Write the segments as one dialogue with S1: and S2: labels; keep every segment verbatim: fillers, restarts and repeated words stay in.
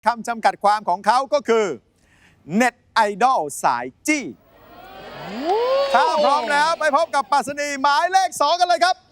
S1: คำจำกัดความของเขาก็คือเน็ตไอดอลสายจี้ถ้าพร้อมแล้วไปพบกับปรัชนีหมายเลขสองกันเลยครับ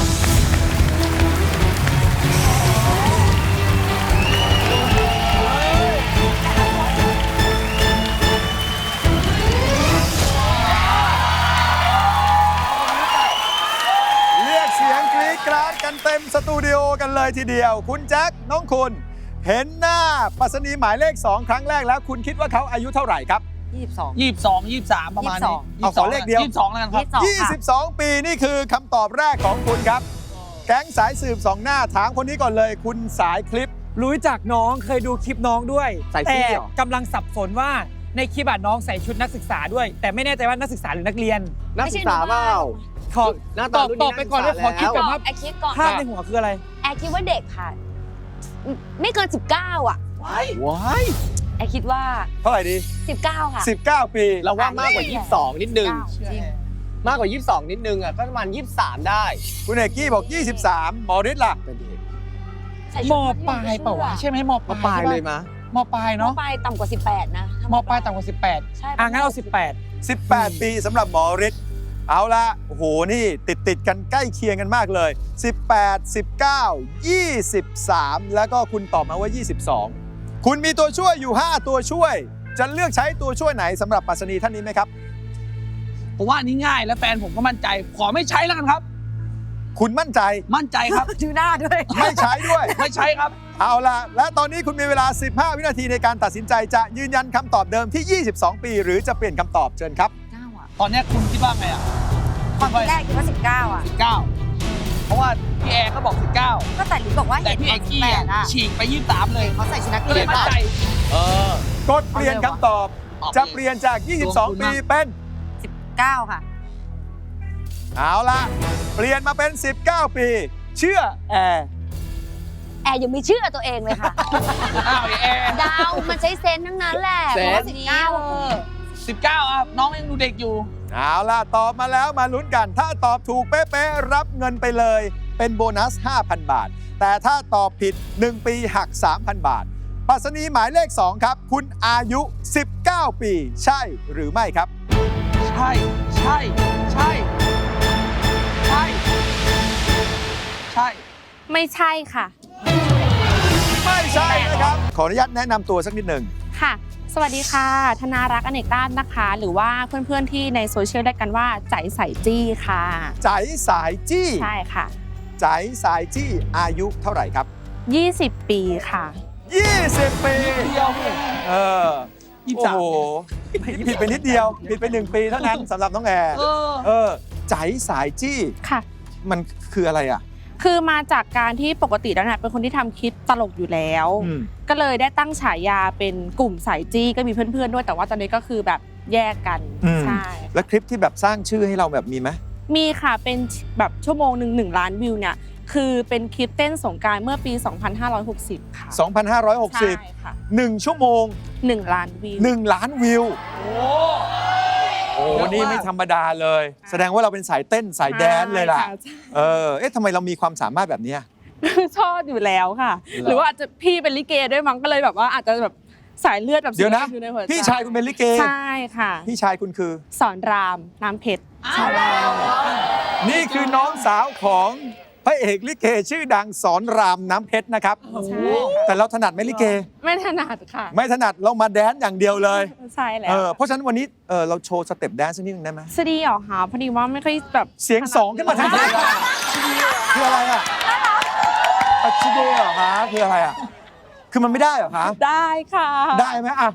S1: เรียกเสียงกรี๊ดกราดกันเต็มสตูดิโอกันเลยทีเดียวคุณแจ็คน้องคุณเห็นหน้าปรัชนีหมายเลขสองครั้งแรกแล้วคุณคิดว่าเขาอายุเท่าไหร่ครับ
S2: ยี่สิบสอง
S3: ยี่สิบสอง ยี่สิบสามประมาณนี้
S1: เอาขอเลขเดียว
S3: ยี่สิบสองแล้วกันครับ
S1: ยี่สิบสองปีนี่คือคำตอบแรกของคุณครับ แก๊งสายสืบสองหน้าถามคนนี้ก่อนเลยคุณสายคลิป
S4: รู้จักน้องเคยดูคลิปน้องด้วย
S1: ใส่
S4: แต่
S1: ซี่เหรอ
S4: กำลังสับสนว่าในคลิปอะน้องใส่ชุดนักศึกษาด้วย แต่ไม่แน่ใจว่านักศึกษาหรือนักเรียน
S2: นักศึกษาเปล่า
S4: ขอ
S2: หน้า
S4: ต
S2: ตา
S4: อบ
S2: รุ่น
S4: ต
S2: นี้
S4: อบไปก่อนเลยขอคิด
S2: นักศึกษา
S4: ก่อน
S2: แล้ว
S4: ว่า
S5: แอร์คิดก่อน
S4: ภาพในหัวคืออะไร
S5: แอร์คิดว่าเด็กค่ะ ไม่เกิน สิบเก้า อ่ะ
S2: ว้าย
S5: แอร์คิดว่า
S1: เท่าไหร่ดี
S5: สิบเก้า ค่ะ
S1: สิบเก้า ปี
S2: เราว่ามากกว่ายี่สิบสองนิดนึง
S5: จริง
S2: มากกว่ายี่สิบสองนิดนึงอ่ะก็ประมาณยี่สิบสามได้
S1: คุณเอกกี้บอก ยี่สิบสาม หมอฤทธิ์ล่ะ
S2: เป็นเด็ก
S5: ใส่
S3: ม
S5: ชุด
S3: ปลายเปล่าวะใช่ไหมมป
S2: มา
S3: ลาย
S2: ปลาย
S3: ใช่ปะ
S2: เลยมะ
S3: มปลาย
S5: ม
S3: เนาะ
S5: ปลายต่ำกว่า สิบแปด นะถ้
S3: มปลายต่ำกว่าสิบแปด
S5: ใช่
S4: อ่ะงั้นเอาสิบแปด
S1: สิบแปด ปีสำหรับหมอฤทธิ์เอาละโอ้โห นี่ติดติดๆกันใกล้เคียงกันมากเลย สิบแปด สิบเก้า ยี่สิบสาม แล้วก็คุณตอบมาว่า ยี่สิบสอง คุณมีตัวช่วยอยู่ ห้า ตัวช่วย จะเลือกใช้ตัวช่วยไหนสำหรับปรัชนีท่านนี้ไหมครับ
S3: ผมว่าอันนี้ง่ายและแฟนผมก็มั่นใจ ขอไม่ใช้แล้วกันครับ
S1: คุณมั่นใจ
S3: มั่นใจครับ
S5: ดูหน้าด้วย
S1: ไม่ใช้ด้วย
S3: ไม่ใช้ครับ
S1: เอาล่ะ และตอนนี้คุณมีเวลา สิบห้า วินาทีในการตัดสินใจจะยืนยันคำตอบเดิมที่ ยี่สิบสอง ปี หรือจะเปลี่ยนคำตอบเชิญครับ
S5: เก้า อ่ะ
S3: ตอนเนี้ยคุณคิดว่าไงอ่ะ
S5: ความคิดแรกคิดว่า สิบเก้า อ่ะ
S3: สิบเก้าเพราะว่าพี่แอร์ก็บอกสิบเก้า
S5: ก็แต่ลิบอกว่า
S3: แต่
S5: เห็น
S3: พี่
S5: ต
S3: เอ
S5: อน
S3: ก
S5: สิบ
S3: กี้
S5: แป
S3: อะ
S5: ดอ่ะ
S3: ฉีกไปยี่สิบสามเลย
S5: เขาใส่ชุดนัก
S3: ก็
S5: เรี
S3: เลย ย
S5: น
S3: มั่นใจ เออก
S1: ดเปลี่ยนคำตอบ จะเปลี่ยนจาก ยี่สิบสอง ปีเป็น
S5: สิบเก้า ค่ะ
S1: เอาล่ะ เปลี่ยนมาเป็น สิบเก้า ปี เชื่อแอร์
S5: แอร์ยังไม่เชื่อตัวเองเลยค่ะ
S3: อ้าวไอ้แอร์
S5: ดาวมันใช้เซนส์ทั้งนั้นแหละ
S2: เซนส์
S5: พราะว่าสิบเก้า
S3: สิบเก้าอ่ะน้องยังดูเด็กอยู่
S1: เอาล่ะ ตอบมาแล้วมาลุ้นกัน ถ้าตอบถูกเป๊ะๆรับเงินไปเลย เป็นโบนัส ห้าพัน บาท แต่ถ้าตอบผิด หนึ่ง ปีหัก สามพัน บาทปรัชนีหมายเลข สอง ครับ คุณอายุ สิบเก้า ปี ใช่หรือไม่ครับ
S3: ใช่ ใช่ ใช่ ใช่ ใช่
S6: ไม่ใช่ค่ะ
S1: ไม่ใช่นะครับ ขออนุญาตแนะนำตัวสักนิดหนึ่ง
S6: ค่ะ สวัสดีค่ะ ธนารักษ์อเนกราชนะคะ หรือว่าเพื่อนๆที่ในโซเชียลเรียกกันว่าใจใส่จี้ค่ะ
S1: ใจสายจี้
S6: ใช่ค่ะ
S1: ใจสายจี้อายุเท่าไหร่ครับ
S6: ยี่สิบ ปีค่ะ
S1: ยี่สิบ ปี
S3: เดียว
S1: เออ
S3: ยี่สิบ
S1: โอ้
S3: สาม
S1: โหผิดไปนิดเดียว ผิดไปหนึ่งปีเท่านั้นสำหรับน้องแอร์
S3: เออ
S1: เออ ใจสายจี้
S6: ค่ะ
S1: มันคืออะไรอ่ะ
S6: คือมาจากการที่ปกติแล้วเนี่ยเป็นคนที่ทำคลิปตลกอยู่แล้ว
S1: อืม
S6: ก็เลยได้ตั้งฉายาเป็นกลุ่มสายจี้ก็มีเพื่อนๆด้วย แต่ว่าตอนนี้ก็คือแบบแยกกัน
S1: อืม
S6: ใช่
S1: แล้วคลิปที่แบบสร้างชื่อให้เราแบบมีไหม
S6: มีค่ะเป็นแบบชั่วโมงหนึ่งหนึ่งล้านวิวเนี่ยคือเป็นคลิปเต้นสงกรานต์เมื่อปี สองพันห้าร้อยหกสิบ ค่ะ
S1: สองพันห้าร้อยหกสิบ
S6: ใช่ค่ะ
S1: หนึ่งชั่วโมง
S6: หนึ่งล้านวิว
S1: หนึ่งล้านวิว
S3: โอ้
S1: โอ้นี่ไม่ธรรมดาเลย แสดงว่าเราเป็นสายเต้นสายแดนเลยล่ะ
S6: ใช่ค่
S1: เออ เอ๊ะทำไมเรามีความสามารถแบบเนี้ย
S6: ชอบอยู่แล้วค่ะ
S1: เหรอ
S6: หรือว่าอาจจะพี่เป็นลิเกด้วยมั้งก็เลยแบบว่าอาจจะแบบสายเลือดแบบ
S1: เดี๋ยวนะ
S6: อยู่ในหัวใจ
S1: พี่ชายคุณเป็นลิเก
S6: ใช่ค่ะ
S1: พี่ชายคุณคือ
S6: สอนรามน้ำเพชร
S1: นี่คือน้องสาวของพระเอกลิเกชื่อดังสอนรามน้ำเพชรนะครับ
S6: ใช่
S1: แต่เราถนัดไหมลิเก
S6: ไม่ถนัดค่ะ
S1: ไม่ถนัดเรามาแดนซ์อย่างเดียวเลย
S6: ใช่แล้
S1: เอ
S6: ว
S1: อเพราะฉะนั้นวันนี้เออเราโชว์สเต็ปแดนซ์สักนิดนึงได้ไหม
S6: สวัสดีเหรอคะพอดีว่าไม่ค่อยแบบ
S1: เสียงสองขึ้นมาทันทีคืออะไรอ่ะปัจจุบันเหรอคะคืออะไรอ่ะคือมันไม่ได้เหรอคะ
S6: ได้ค่ะ
S1: ได้ไหมอ่ะ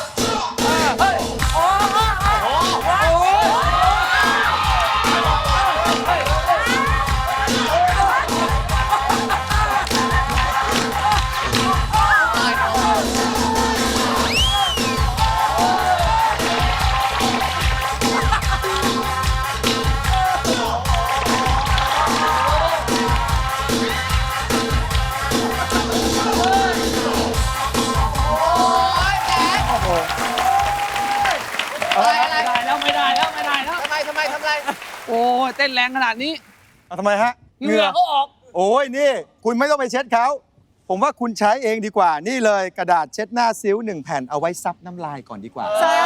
S3: ไม่ได้แล้วไม่ได้แล้วไม่ได้แล้ว
S2: ทำไมทำไมทำไม
S3: โอ้ยเต้นแรงขนาดนี้
S1: เอาทำไมฮะ
S3: เหงื่อก็ออก
S1: โอ้ยนี่ คุณไม่ต้องไปเช็ดเขาผมว่าคุณใช้เองดีกว่านี่เลยกระดาษเช็ดหน้าซิ้วหนึ่งแผ่นเอาไว้ซับน้ำลายก่อนดีกว่า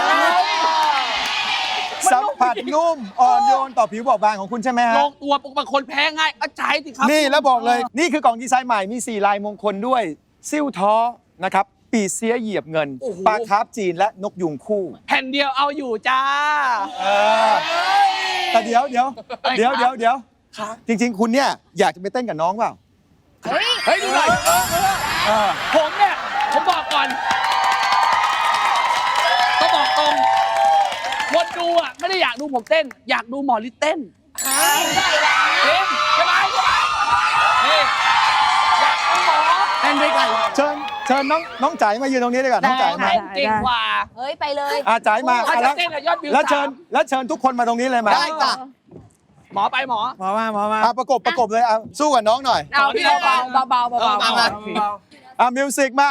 S1: สัมผัสนุ่มอ่อนโยนต่อผิวบอบบางของคุณใช่ไหมฮะ
S3: ลงตัวปกติคนแพ้ง่ายก็ใช้สิครับ
S1: นี่แล้วบอกเลย นี่คือกล่องดีไซน์ใหม่มี สี่ ลายมงคลด้วย ซิ่วท้อนะครับ ปีเสียเหยียบเงิน
S3: โอ้โห
S1: ปลาคาร์ฟจีนและนกยุงคู่
S3: แผ่นเดียวเอาอยู่จ้า
S1: เออแต่เดี๋ยวเดี๋ยวเดี๋ยวเดี๋ยวเดี๋ยวจริง ๆ คุณเนี่ยอยากจะไปเต้นกับน้องเปล่า
S3: เฮ้ยดูหน่อย
S1: เออ
S3: ผมเนี่ยผมบอกก่อนก็บอกตรงคนดูอ่ะไม่ได้อยากดูผมเต้น อยากดูหมอฤทธิ์เต้นจริงใช่ไหมนี่อยากดูหมอเต้นด้วยกัน
S1: เชิญเชิญน้องน้องจ๋ายมายืนตรงนี้ดีกว่าน้องจ๋ายมา
S3: เต้นเก่งกว่า
S5: เฮ้ย ไปเลย
S1: อาจ๋ายมา
S3: ถ้า
S1: อ่ะ
S3: จะ
S1: แล้ว
S3: เต้นอะยอดวิว
S1: แล้วเชิญ
S3: สาม
S1: แล้วเชิญทุกคนมาตรงนี้เลยมา
S2: ได้จ้ะ
S3: หมอไปหมอ
S4: หมอมาหมอมา
S1: อ่ะประกบประกบเลยอ่ะสู้กับน้องหน่อย
S6: เอาพี่เบาๆเบาๆเบาๆ
S3: เออมามา
S1: อ่ะมิวสิกมา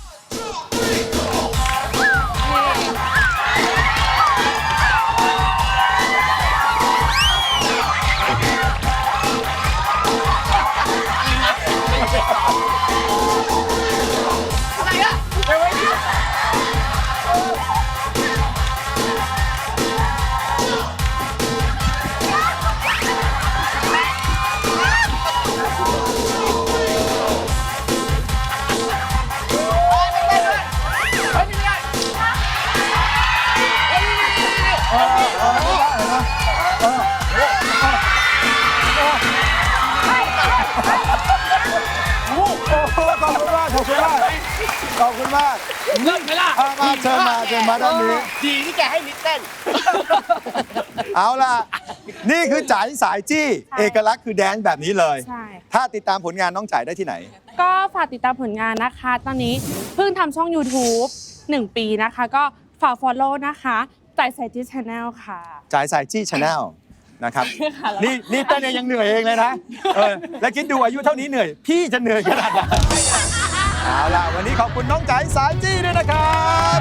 S1: โอ้โหขอบคุณมากขอบคุณมากขอบคุณมาก
S3: เริ่มไหมล่ะ
S1: อ่ะมาเชิญมาเชิญมาด้านนี้
S2: ดีที่แกให้ลิตเต้น
S1: เอาล่ะ นี่คือจ๋ายสายจี้ เอกลักษณ์คือแดนซ์แบบนี้เลย
S6: ใช่
S1: ถ้าติดตามผลงานน้องจ๋ายได้ที่ไหน
S6: ก็ฝากติดตามผลงานนะคะ ตอนนี้เพิ่งทำช่อง YouTube หนึ่ง ปีนะคะ ก็ฝาก follow นะคะจ่ายใส่ที่ channel ค่ะ
S1: จ๋ายสายจี้ชาแนลนะครับ นี่นี่เต้นเองยังเหนื่อยเองเลยนะ เออ แล้วคิดดูอายุเท่านี้เหนื่อย พี่จะเหนื่อยขนาดไหนเอาล่ะ วันนี้ขอบคุณน้องจ๋ายสายจี้ด้วยนะครับ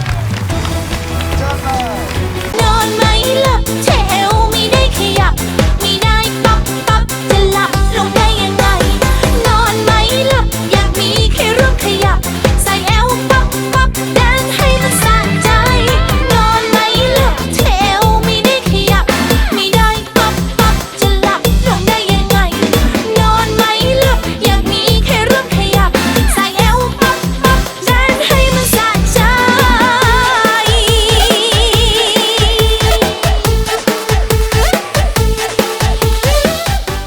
S1: เชิญเลย
S7: นอนไม่หลับแถวไม่ได้ขยับ